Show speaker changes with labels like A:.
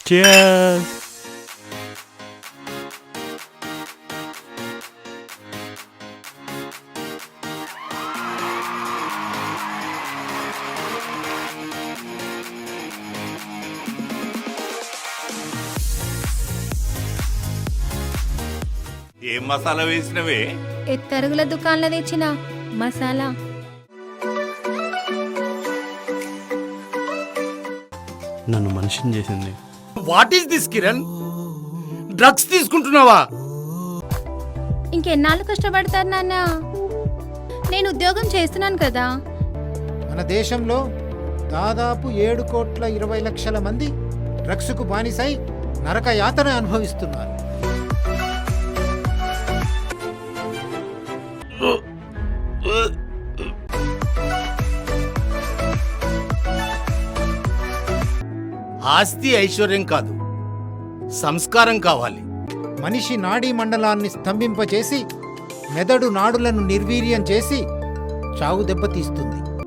A: Cheers.
B: ఏం మసాలా వేసినవే?
C: ఎత్తరుగుల దుకాణంలో తెచ్చిన మసాలా.
A: నన్ను మనిషిని చేసింది.
D: What is this Kiran? Drugs తీసుకుంటున్నావా?
C: ఇంకెన్నాళ్ళు కష్టపడతారు నాన్న? నేను ఉద్యోగం చేస్తున్నాను కదా.
E: మన దేశంలో దాదాపు 7,20,00,000 మంది డ్రగ్స్కు బానిసై నరక యాతన అనుభవిస్తున్నారు.
D: ఆస్తి ఐశ్వర్యం కాదు, సంస్కారం కావాలి.
E: మనిషి నాడీ మండలాన్ని స్తంభింపచేసి మెదడు నాడులను నిర్వీర్యం చేసి చావు దెబ్బతీస్తుంది.